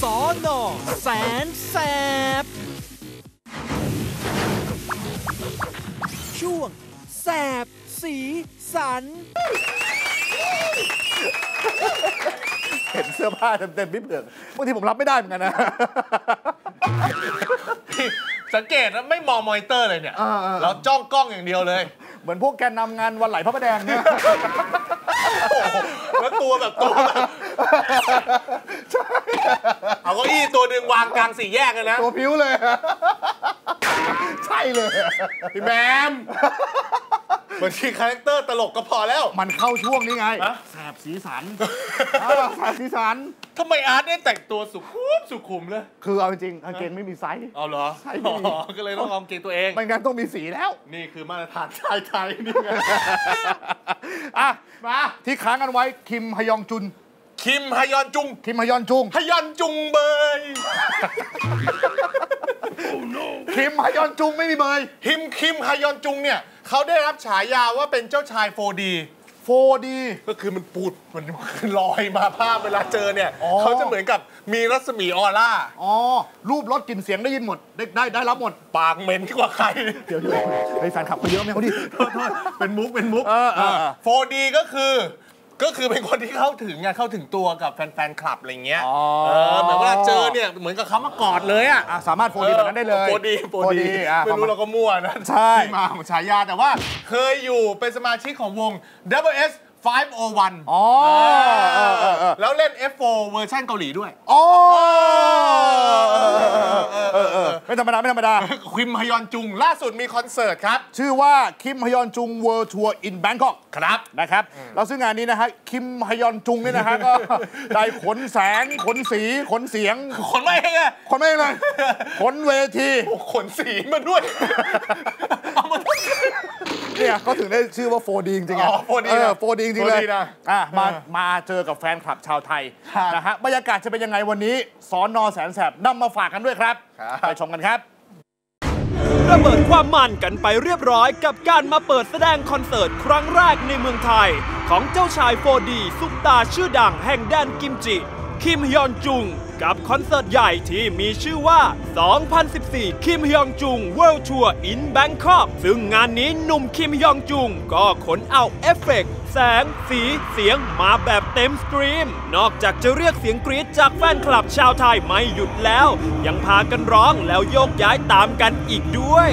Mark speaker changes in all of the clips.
Speaker 1: สน.แสนแสบช่วงแสบสีสัน
Speaker 2: เห็นเสื้อผ้าเต็มๆพี่เผือกบางทีผมรับไม่ได้เหมือนกันนะ
Speaker 3: สังเกตนะไม่มองมอนิเตอร์เลยเนี่ยเราจ้องกล้องอย่างเดียวเลย
Speaker 2: เหมือนพวกแกนนำงานวันไหลพระประแดงเนี่ย
Speaker 3: แล้วตัวแบบเอาเก้าอี้ตัวหนึ่งวางกลางสี่แยกเลยนะ
Speaker 2: ตัวผิวเลยใช่เลย
Speaker 3: พี่แมมบางทีคาแรคเตอร์ตลกก็พอแล้ว
Speaker 2: มันเข้าช่วงนี้ไงแสบสีสันแสบสีสัน
Speaker 3: ทำไมอาร์ตได้แต่งตัวสุขุมเลย
Speaker 2: คือเอาจริงกางเกงไม่มีไซส์
Speaker 3: เอาเหรอ
Speaker 2: ใช่
Speaker 3: ก็เลยต้องเอากางเกงตัวเอง
Speaker 2: ไม่งั้นต้องมีสีแล้ว
Speaker 3: นี่คือมาตรฐานชายไทยนี่ไง
Speaker 2: อ่ะมาที่ค้างกันไว้คิมฮยองจุน
Speaker 3: คิมฮยอนจุง
Speaker 2: คิมฮยอนจุง
Speaker 3: ฮยอนจุงเบย
Speaker 2: คิมฮยอนจุงไม่มีเบย
Speaker 3: คิมฮยอนจุงเนี่ยเขาได้รับฉายาว่าเป็นเจ้าชาย 4D ก็คือมันปูดมันลอยมาภาพเวลาเจอเนี่ยเขาจะเหมือนกับมีรัศมีออร่า
Speaker 2: รูปรสกลิ่นเสียงได้ยินหมดได้รับหมด
Speaker 3: ปากเหม็นกว่าใคร
Speaker 2: เดี๋ยวไอ้แฟนคลับเขาเยอะไหมเขาดิ
Speaker 3: เป็นมุก4D ก็คือเป็นคนที่เข้าถึงตัวกับแฟนคลับอะไรเงี้ยเหมือนเวลาเจอเนี่ยเหมือนกับเขามากอดเลยอ่ะ
Speaker 2: สามารถ 4D แบบนั้นได้เลย
Speaker 3: 4D ไม่รู้เราก็มั่วนะ
Speaker 2: ใช่
Speaker 3: ที่มาของฉายาแต่ว่าเคยอยู่เป็นสมาชิกของวง WS 501แล้วเล่น F4 เวอร์ชันเกาหลีด้วย
Speaker 2: ไม่ธรรมดา
Speaker 3: คิมฮยอนจุงล่าสุดมีคอนเสิร์ตครับ
Speaker 2: ชื่อว่าคิมฮยอนจุง World Tour in Bangkok
Speaker 3: ครับ
Speaker 2: นะครับแล้วซึ่งงานนี้นะฮะคิมฮยอนจุงเนี่ยนะฮะก็ได้ขนแสงขนสีขนเสียง
Speaker 3: ขนไม่เอง
Speaker 2: เลยขนเวที
Speaker 3: ขนสีมาด้วย
Speaker 2: เนี่ยก็ถึงได้ชื่อว่า 4D จริงๆ 4D จริงๆเลยมาเจอกับแฟนคลับชาวไทยนะฮะบรรยากาศจะเป็นยังไงวันนี้สน.แสนแสบนำมาฝากกันด้วยครับไปชมกันครับ
Speaker 1: ระเบิดความมันกันไปเรียบร้อยกับการมาเปิดแสดงคอนเสิร์ตครั้งแรกในเมืองไทยของเจ้าชาย 4D ซุปตาชื่อดังแห่งแดนกิมจิคิมฮยอนจุงกับคอนเสิร์ตใหญ่ที่มีชื่อว่า 2014 คิมฮยองจุง World Tour in Bangkok ซึ่งงานนี้หนุ่มคิมฮยองจุงก็ขนเอาเอฟเฟกต์แสงสีเสียงมาแบบเต็มสตรีมนอกจากจะเรียกเสียงกรี๊ดจากแฟนคลับชาวไทยไม่หยุดแล้วยังพากันร้องแล้วโยกย้ายตามกันอีกด้วย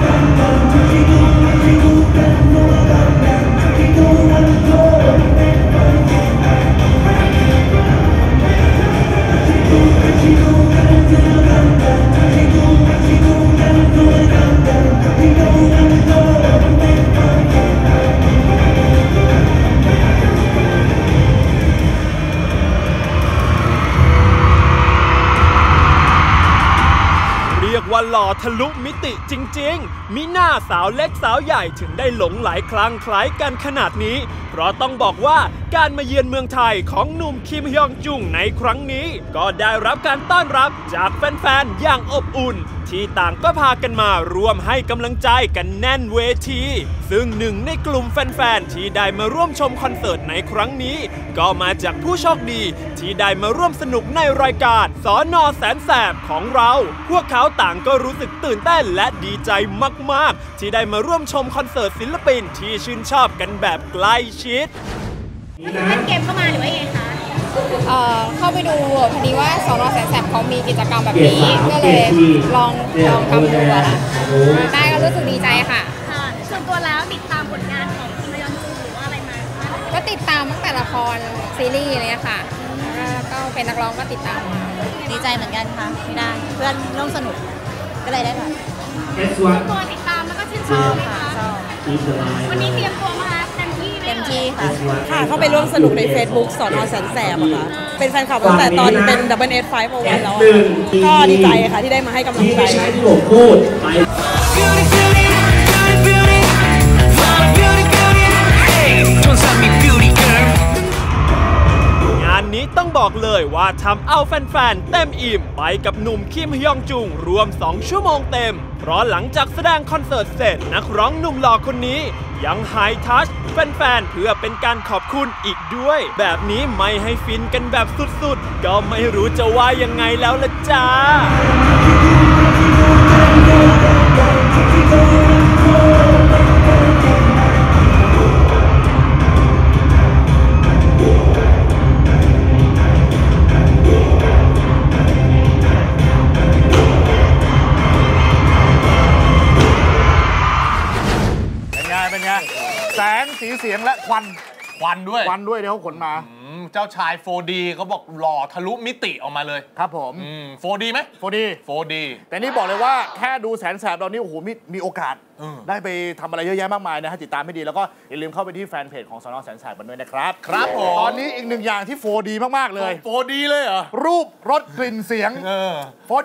Speaker 1: ว่าหล่อทะลุมิติจริงๆมีหน้าสาวเล็กสาวใหญ่ถึงได้หลงไหลคลั่งไคล้กันขนาดนี้เพราะต้องบอกว่าการมาเยือนเมืองไทยของหนุ่มคิมฮยองจุงในครั้งนี้ก็ได้รับการต้อนรับจากแฟนๆอย่างอบอุ่นที่ต่างก็พากันมาร่วมให้กำลังใจกันแน่นเวทีซึ่งหนึ่งในกลุ่มแฟนๆที่ได้มาร่วมชมคอนเสิร์ตในครั้งนี้ก็มาจากผู้โชคดีที่ได้มาร่วมสนุกในรายการสน.แสนแสบของเราพวกเขาต่างก็รู้สึกตื่นเต้นและดีใจมากๆที่ได้มาร่วมชมคอนเสิร์ตศิลปินที่ชื่นชอบกันแบบใกล้ชิด
Speaker 4: เล่นเกมเข้ามาหรือว่าไงคะ
Speaker 5: เข้าไปดูพอดีว่าสน.แสนแสบเขามีกิจกรรมแบบนี้ก็เลยลองทำดูค่ะได้ก็รู้สึกดีใจค่ะ
Speaker 4: ส่วนตัวแล้วติดตามผลงานของคิมฮยอนจุงหรือว่าอะไรมา
Speaker 5: ก็ติดตามตั้งแต่ละครซีรีส์อะไรค่ะก็เป็นนักร้องก็ติดตามมา
Speaker 4: ดีใจเหมือนกันค่ะที่ได้เพื่อนร่วมสนุกก็เลยได้ค่ะตัวติดตามแล้วก็ชื่นชอบค่ะวันนี้เตรียมตัวมาเต็มที่
Speaker 5: ค่ะเข้าไปร่วมสนุกใน Facebook สน.แสนแสบอะค่ะเป็นแฟนคลับตั้งแต่ตอนเป็น WS 501แล้วก็ดีใจค่ะที่ได้มาให้กำลังใจ
Speaker 1: งานนี้ต้องบอกเลยว่าทำเอาแฟนๆเต็มอิ่มไปกับหนุ่มคิมฮยองจุงรวม2 ชั่วโมงเต็มเพราะหลังจากแสดงคอนเสิร์ตเสร็จนักร้องหนุ่มหล่อคนนี้ยังไฮทัชแฟนๆเพื่อเป็นการขอบคุณอีกด้วยแบบนี้ไม่ให้ฟินกันแบบสุดๆก็ไม่รู้จะว่ายังไงแล้วล่ะจ้า
Speaker 2: เป็นไงแสงสีเสียงและควันด้วยเดี๋ยวเขาขนมา
Speaker 3: เจ้าชาย 4D เขาบอกหล่อทะลุมิติออกมาเลย
Speaker 2: ครับผม
Speaker 3: 4D ไหม 4D
Speaker 2: แต่นี่บอกเลยว่าแค่ดูแสนแสบตอนนี้โอ้โหมีโอกาสได้ไปทำอะไรเยอะแยะมากมายนะฮะติดตามให้ดีแล้วก็อย่าลืมเข้าไปที่แฟนเพจของสน.แสนแสบกันด้วยนะครับ
Speaker 3: ครับผม
Speaker 2: ตอนนี้อีกหนึ่งอย่างที่ 4D มากๆเลย
Speaker 3: 4D เลยเหรอ
Speaker 2: รูปรสกลิ่นเสียง4D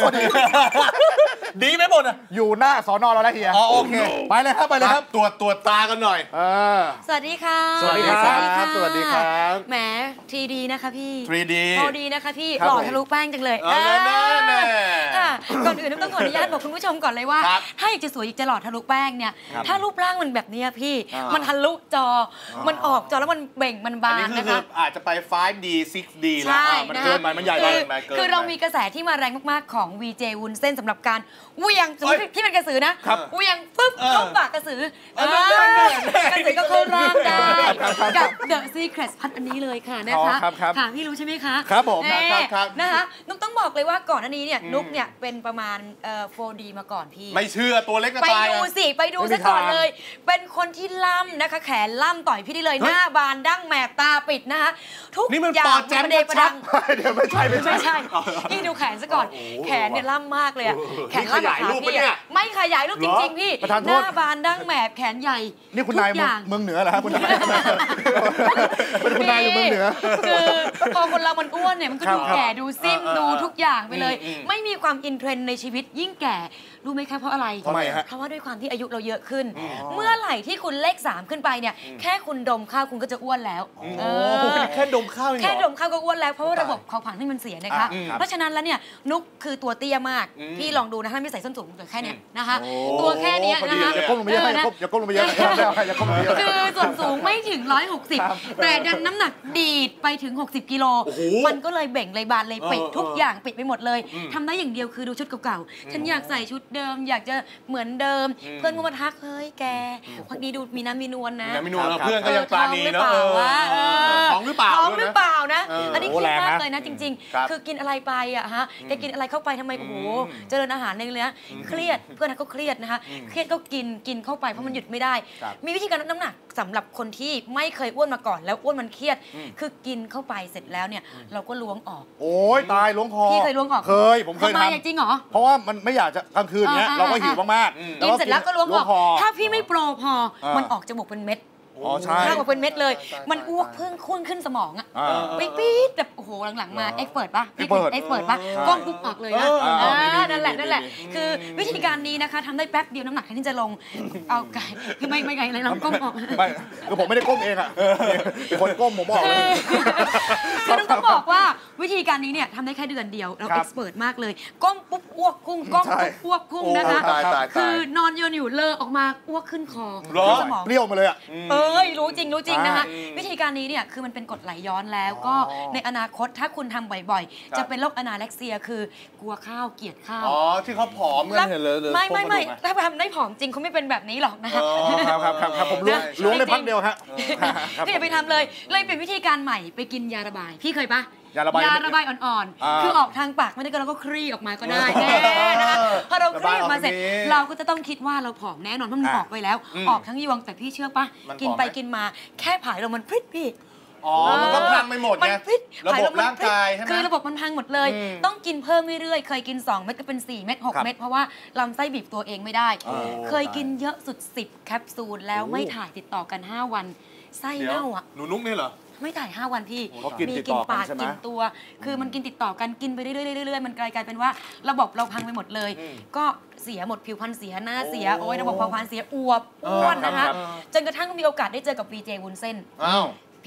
Speaker 3: ดีไหมหมดอ่ะ
Speaker 2: อยู่หน้าสน.เราแล้วเฮีย
Speaker 3: โอเค
Speaker 2: ไปเลยครับ
Speaker 3: ตรวจตากันหน่อย
Speaker 4: สวัสดีค่ะ
Speaker 2: สวัสดีครับ
Speaker 4: แหม 3D นะคะพี่
Speaker 3: 3D
Speaker 4: นะคะพี่หล่อทะลุแป้งจังเลยก่อนอื่นต้องขออนุญาตบอกคุณผู้ชมก่อนเลยว่าถ้าอยากจะสวยอยากจะหล่อทะลุแป้งเนี่ยถ้ารูปร่างมันแบบนี้พี่มันทะลุจอมันออกจอแล้วมันเบ่งมันบานนะคะ
Speaker 3: อาจจะไป 5D 6D แล้ว
Speaker 4: มัน
Speaker 3: เกินไปมันใหญ่ไป
Speaker 4: คือเรามีกระแสที่มาแรงมากๆของ VJ วุ้นเส้นสำหรับการเหวี่ยงสมมติที่เป็นกระสือนะเหวี่ยงปึ๊บเข้าปากกระสือกระสือก็เข้าร่างได้กับ The Secret พัดอันนี้เลยค่ะนะคะค่ะพี่รู้ใช่ไหมคะ
Speaker 2: ครับผม
Speaker 4: นะคะนุ๊กต้องบอกเลยว่าก่อนอันนี้เนี่ยนุ๊กเนี่ยเป็นประมาณ4D มาก่อนพี่
Speaker 3: ไม่เชื่อตัวเล็กกระต่าย
Speaker 4: ไปดูซะก่อนเลยเป็นคนที่ล่ำนะคะแขนล่ำต่อยพี่ได้เลยหน้าบานดั้งแมบตาปิดนะคะทุกอย่าง
Speaker 3: ประเดประดัง
Speaker 2: เดี๋ยวไม่ใช่
Speaker 4: พี่ดูแขนซะก่อนแขนเนี่ยล่ำมากเลยแขนล่ำแบบพี่ไม่ขยายรูปจริงๆพี่หน้าบานดั้งแมบแขนใหญ่
Speaker 2: นี่คุณนายเมืองเหนือเหรอครับคุณนายเป็นคุณนายอยู่เมืองเหนือ
Speaker 4: คือพอคนเรามันอ้วนเนี่ยมันก็ดูแก่ดูซิ่มดูทุกอย่างไปเลยไม่มีความอินเทรนด์ในชีวิตยิ่งแก่รู้ไหมคะเพราะอะไร
Speaker 2: ทำไมฮะ
Speaker 4: เพราะว่าด้วยความที่อายุเราเยอะขึ้นเมื่อไหร่ที่คุณเลข3ขึ้นไปเนี่ยแค่คุณดมข้าวคุณก็จะอ้วนแล้ว
Speaker 3: แค่ดมข้าว
Speaker 4: แค่ดมข้าวก็อ้วนแล้วเพราะว่าระบบเผาผลาญที่มันเสียนะคะเพราะฉะนั้นแล้วเนี่ยนุ๊กคือตัวเตี้ยมากพี่ลองดูนะถ้าไม่ใส่ส้นสูงตัวแค่นี้นะคะตัวแค่นี้นะคะ
Speaker 2: อย่าก้มลงไปเยอะอย่าก้มลงไปเยอะ
Speaker 4: คือส่วนสูงไม่ถึง160แต่ดันน้ำหนักดีดไปถึง60กิโลมันก็เลยเบ่งเลยบานเลยปิดทุกอย่างปิดไปหมดเลยทำได้อย่างเดียวคือดูชุดเก่าๆฉันอยากใส่ชุดเดิมอยากจะเหมือนเดิมเพื่อนก็มาทักเฮ้ยแกพักนี้ดูมีน้ำมีนวลนะ
Speaker 3: เพื่อนก็ยังปราณีเนาะท้องหรือเปล่า
Speaker 4: นะอันนี้คิดมากเลยนะจริงๆคือกินอะไรไปอะฮะแกกินอะไรเข้าไปทำไมโอ้โหเจริญอาหารในเนี้ยเครียดเพื่อนก็เครียดนะคะเครียดก็กินเข้าไปเพราะมันหยุดไม่ได้มีวิธีการลดน้ำหนักสำหรับคนที่ไม่เคยอ้วนมาก่อนแล้วอ้วนมันเครียดคือกินเข้าไปเสร็จแล้วเนี่ยเราก็ล้วงออก
Speaker 2: โอ้ยตายล้วงคอ
Speaker 4: พี่เคยล้วงออก
Speaker 2: ผมเคยท
Speaker 4: ำจริงเหรอ
Speaker 2: เพราะว่ามันไม่อยากจะกลางคืนเนี้ยเราก็หิวมาก
Speaker 4: ๆกินเสร็จแล้วก็ล้วงออกถ้าพี่ไม่โปรพอมันออกจมูกเป็นเม็ดข้าวออกเป็นเม็ดเลยมันอ้วกพุ่งขึ้นสมองอ่ะปี๊ดแบบโอ้โหหลังๆมาเอ็กเปิดป่ะพี่เอ็กเปิดป่ะก้มปุ๊บออกเลยนะนั่นแหละคือวิธีการนี้นะคะทำได้แป๊บเดียวน้ำหนักแค่นี้จะลงเอาไก่คือไม่ไก่เลยเราก้มออก
Speaker 2: ไม่คือผมไม่ได้ก้มเองอ่ะคนก้มผมบอกเลย
Speaker 4: คือต้องบอกว่าวิธีการนี้เนี่ยทำได้แค่เดือนเดียวเราเอ็กเปิดมากเลยก้มปุ๊บอ้วกพุ่งก้มปุ๊บอ้วกพุ่งนะคะคือนอนอยู่เลอะออกมาอ้วกขึ้นคอ
Speaker 2: สมองเปรี้ยวมาเลยอ่ะ
Speaker 4: รู้จริงนะคะวิธีการนี้เนี่ยคือมันเป็นกรดไหลย้อนแล้วก็ในอนาคตถ้าคุณทำบ่อยๆจะเป็นโรคอนาเร็กเซียคือกลัวข้าวเกลียดข้าว
Speaker 3: ที่เขาผอมกันเห็นเลย
Speaker 4: ไม่ถ้าทำได้ผอมจริงเขาไม่เป็นแบบนี้หรอกนะคะ
Speaker 2: ครับผมล้วงได้พักเดียวฮะ
Speaker 4: ก็อย่าไปทำเลยเป็นวิธีการใหม่ไปกินยาระบายพี่เคยปะ
Speaker 2: ยาระบาย
Speaker 4: อ่อนๆคือออกทางปากไม่ได้ก็เราก็คลี่ออกมาก็ได้นะคะพอเราคลี่ออกมาเสร็จเราก็จะต้องคิดว่าเราผอมแน่นอนเพราะมันออกไปแล้วออกทั้งยวงแต่พี่เชื่อปะกินไปกินมาแค่ผายลมมันพริ้พี่
Speaker 3: มันก็พังไปหมดไงระบบร่างกายใช่ไหม
Speaker 4: คือระบบมันพังหมดเลยต้องกินเพิ่มเรื่อยๆเคยกิน2เม็ดก็เป็น4เม็ด6เม็ดเพราะว่าลำไส้บีบตัวเองไม่ได้เคยกินเยอะสุด10แคปซูลแล้วไม่ถ่ายติดต่อกัน5วันไส้เน่าอ่ะ
Speaker 3: หนูนุ๊กนี่เหรอ
Speaker 4: ไม่ถ่าย5วันพี่มีกินปากกินตัวคือมันกินติดต่อกันกินไปเรื่อยๆมันกลายเป็นว่าระบบเราพังไปหมดเลยก็เสียหมดผิวพรรณเสียหน้าเสียโอ้ยระบบเผาผลาญเสียอ้วนนะคะจนกระทั่งมีโอกาสได้เจอกับ VJ วุ้นเส้น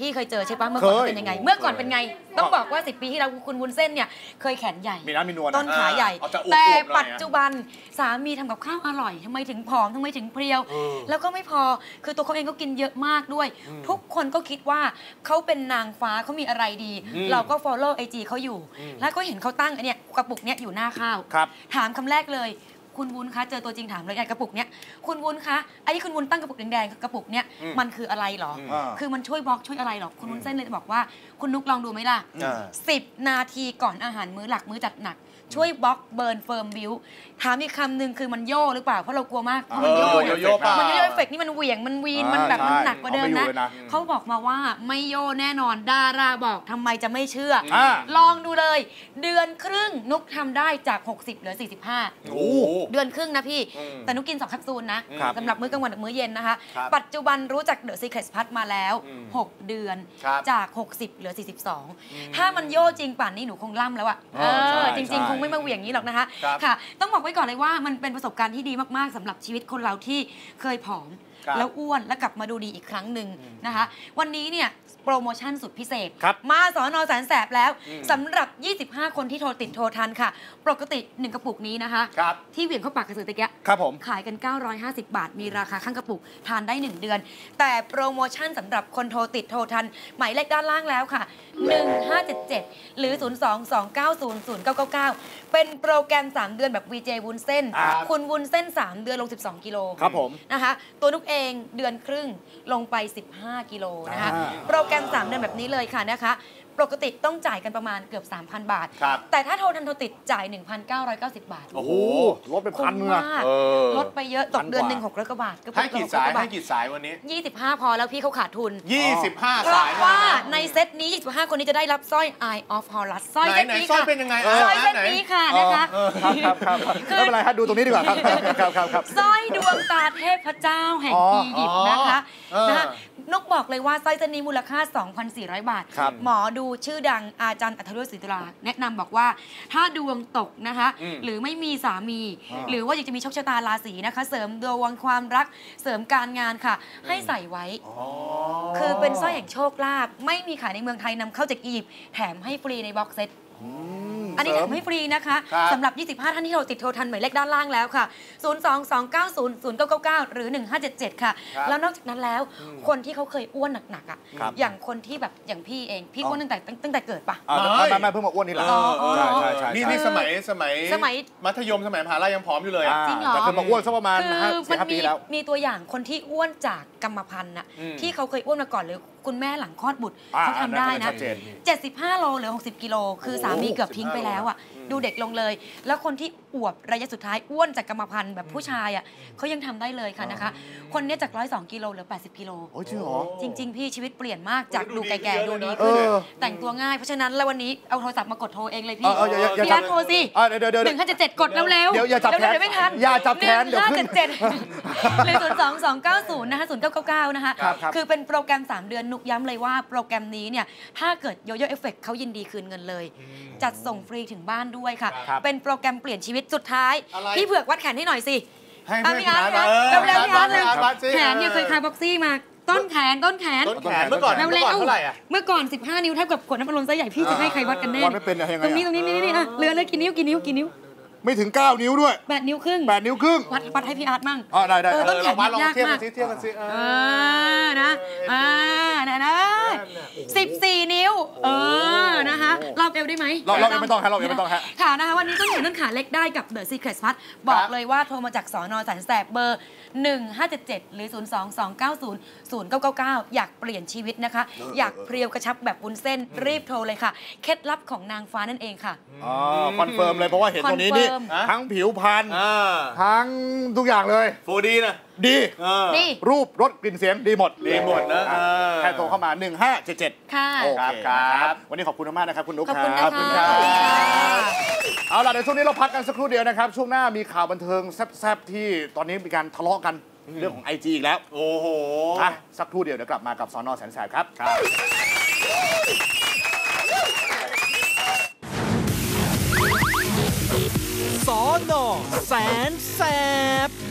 Speaker 4: พี่เคยเจอใช่ปะเมื่อก่อนเป็นยังไง เมื่อก่อนเป็นไงต้องบอกว่า10 ปีที่แล้วคุณวุ้นเส้นเนี่ยเคยแขนใหญ่
Speaker 2: มีน้ำมีนวล
Speaker 4: ต้นขาใหญ่แต่ปัจจุบันสามีทำกับข้าวอร่อยทำไมถึงผอมทำไมถึงเพรียวแล้วก็ไม่พอคือตัวเขาเองก็กินเยอะมากด้วยทุกคนก็คิดว่าเขาเป็นนางฟ้าเขามีอะไรดีเราก็ follow IG เขาอยู่แล้วก็เห็นเขาตั้งเนี่ยกระปุกเนี้ยอยู่หน้าข้าวถามคำแรกเลยคุณวุ้นคะเจอตัวจริงถามเลยกระปุกเนี้ยคุณวุ้นคะไอ้ที่คุณวุ้นตั้งกระปุกแดงๆกระปุกเนี้ยมันคืออะไรหรอคือมันช่วยบล็อกช่วยอะไรหรอคุณวุ้นเส้นเลยบอกว่าคุณนุกลองดูไหมล่ะ10 นาทีก่อนอาหารมื้อหลักมื้อจัดหนักช่วยบล็อกเบิร์นเฟิร์มบิวถามอีกคำหนึ่งคือมันโย่หรือเปล่าเพราะเรากลัวมากมันโย่มันโย่เอฟเฟกต์นี่มันเหวี่ยงมันวีนมันแบบมันหนักกว่าเดิมนะเขาบอกมาว่าไม่โย่แน่นอนดาราบอกทำไมจะไม่เชื่อลองดูเลยเดือนครึ่งนุกทำได้จาก60เหลือ45เดือนครึ่งนะพี่แต่นุกกิน2 แคปซูลนะสำหรับมื้อกลางวันกับมื้อเย็นนะคะปัจจุบันรู้จัก The Secret Plus มาแล้ว6 เดือนจาก60เหลือ42ถ้ามันโย่จริงป่านนี้หนูคงล่ำแล้วอะจริงๆคงไม่มาเหวี่ยงนี้หรอกนะคะค่ะต้องบอกไว้ก่อนเลยว่ามันเป็นประสบการณ์ที่ดีมากๆสำหรับชีวิตคนเราที่เคยผอมแล้วอ้วนแล้วกลับมาดูดีอีกครั้งหนึ่งนะคะวันนี้เนี่ยโปรโมชั่นสุดพิเศษมาสน.แสนแสบแล้วสำหรับ25 คนที่โทรติดโทรทันค่ะปกติ1 กระปุกนี้นะคะที่เหวี่ยงเข้าปากกระสือตะเกียขายกัน950 บาทมีราคาข้างกระปุกทานได้1 เดือนแต่โปรโมชั่นสำหรับคนโทรติดโทรทันหมายเลขด้านล่างแล้วค่ะ1577หรือ022900999เป็นโปรแกรม3 เดือนแบบ VJ วุ้นเส้นคุณวุ้นเส้น3 เดือนลง12 กิโลครับผมนะคะตัวนุกเองเดือนครึ่งลงไป15 กิโลนะคะโปรแกรม3 เดือนแบบนี้เลยค่ะนะคะปกติต้องจ่ายกันประมาณเกือบ 3,000 บาทแต่ถ้าโทรทันโทรติดจ่าย 1,990 บาท
Speaker 2: โอ้โหลดไป1,000นึงอะ
Speaker 4: ลดไปเยอะตกเดือนหนึ่ง600 กว่าบาท
Speaker 3: ให้กี่สายวันนี้
Speaker 4: 25พอแล้วพี่เขาขาดทุน
Speaker 3: 25
Speaker 4: สายเพราะว่าในเซตนี้25 คนนี้จะได้รับสร้อย Eye of Horus สร้อยเซตนี้ค่ะ
Speaker 3: สร้อยเป็นยังไง
Speaker 4: สร้อยเซตนี้ค่ะนะคะ
Speaker 2: ครับไม่เป็นไรครับดูตรงนี้ดีกว่าครับ
Speaker 4: สร้อยดวงตาเทพเจ้าแห่งอียิปต์นะคะนกบอกเลยว่าสร้อยเซตนี้มูลค่า 2,400 บาทหมอดูชื่อดังอาจารย์อัธรุศรีตุลาแนะนำบอกว่าถ้าดวงตกนะคะหรือไม่มีสามีหรือว่าอยากจะมีโชคชะตาราศีนะคะเสริมดวงความรักเสริมการงานค่ะให้ใส่ไว้คือเป็นสร้อยแห่งโชคลาภไม่มีขายในเมืองไทยนำเข้าจากอียิปต์แถมให้ฟรีในบ็อกเซตอันนี้แถมให้ฟรีนะคะสำหรับ25 ท่านที่เราติดโทรทันหมายเลขด้านล่างแล้วค่ะ022900999หรือ1577ค่ะแล้วนอกจากนั้นแล้วคนที่เขาเคยอ้วนหนักๆอ่ะอย่างคนที่แบบอย่างพี่เองพี่อ้วนตั้งแต่เกิดปะ
Speaker 2: ไม่เพิ่งมาอ้วนนี่แหละ
Speaker 3: ใช่นี่สมัยมัธยมสมัยมหาลัยยังผอมอยู่เลย
Speaker 4: จริงเหรอ
Speaker 2: แต่เคยมาอ้วนสักประมาณ5-6 ปีแล้ว
Speaker 4: มีตัวอย่างคนที่อ้วนจากกรรมพันธุ์น่ะที่เขาเคยอ้วนมาก่อนหรือคุณแม่หลังคลอดบุตรเขาทำได้นะ75 โลหรือ60 กิโลคือสามีเกือบทิ้งไปแล้วอ่ะดูเด็กลงเลยแล้วคนที่อวบระยะสุดท้ายอ้วนจากกรรมพันธุ์แบบผู้ชายอ่ะเขายังทำได้เลยค่ะนะคะคนนี้จาก102 กิโลเหลือ80 กิโล
Speaker 2: โอ้จริงเหรอ
Speaker 4: จริงๆพี่ชีวิตเปลี่ยนมากจากดูแก่ๆดูดีขึ้นแต่งตัวง่ายเพราะฉะนั้นแล้ววันนี้เอาโทรศัพท์มากดโทรเองเลยพี่พี่รัฐโทรสิ1577กดเร็วๆ
Speaker 2: เดี๋ยวอย่าจับแขน
Speaker 4: ไม่ทัน
Speaker 2: อย่าจับแขนเดี๋ยวขึ้น
Speaker 4: หรือ02290นะคะ0999นะคะคือเป็นโปรแกรม3 เดือนนุกย้ำเลยว่าโปรแกรมนี้เนี่ยถ้าเกิดโยโย่เอฟเฟกต์เขายินดีคืนเงินเลยจัดส่งฟรีถึงบ้านด้วยค่ะเป็นโปรแกรมเปลี่ยนชีวิตสุดท้ายพี่เผือกวัดแขนให้หน่อยสิพี่อาร์ตเร็วๆพี่อาร์ตเลยแขนเนี่ยเคยคลายบ็อกซี่มาต้นแขน
Speaker 3: เมื่อก่อนเท่าไหร่อะ
Speaker 4: เมื่อก่อน15 นิ้วเท่ากับขวดน้ำอัดลมไซส์ใหญ่พี่จะให้ใครวัดกันแน่ตรงนี้นี่เรือเลยกี่นิ้ว
Speaker 2: ไม่ถึง9 นิ้วด้วย
Speaker 4: 8 นิ้วครึ่งวัดให้พี่อาร์ตมั่ง
Speaker 2: ได้
Speaker 4: ต้นแขนยากมาก
Speaker 3: เทียบกันสิ
Speaker 4: นะ14 นิ้วนะคะรอบเอวได้ไหม
Speaker 2: รอบไม่ต้องฮะ
Speaker 4: ค่ะนะคะวันนี้ต้นแขนต้นขาเล็กได้กับ The Secret Plus บอกเลยว่าโทรมาจากสน.แสนแสบเบอร์1577หรือ022900999อยากเปลี่ยนชีวิตนะคะอยากเพรียวกระชับแบบวุ้นเส้นรีบโทรเลยค่ะเคล็ดลับของนางฟ้านั่นเองค่ะ
Speaker 2: คอนเฟิร์มเลยเพราะว่าเห็นตรงนี้นี่ทั้งผิวพรรณทั้งทุกอย่างเลย
Speaker 3: โฟดีนะ
Speaker 2: ดีรูปรสกลิ่นเสียงดีหมด
Speaker 3: นะ
Speaker 2: แค่โทรเข้ามา1577
Speaker 4: ค่ะ
Speaker 2: โอเคครับวันนี้ขอบคุณมากนะครับคุณนุ๊กครับ
Speaker 4: ขอบคุณค่ะ
Speaker 2: เอาล่ะในช่วงนี้เราพักกันสักครู่เดียวนะครับช่วงหน้ามีข่าวบันเทิงแซ่บๆที่ตอนนี้มีการทะเลาะกันเรื่องของ IG อีกแล้ว
Speaker 3: โอ้โห
Speaker 2: สักครู่เดียวกลับมากับสน.แสนแสบครับ
Speaker 1: สน.แสนแสบ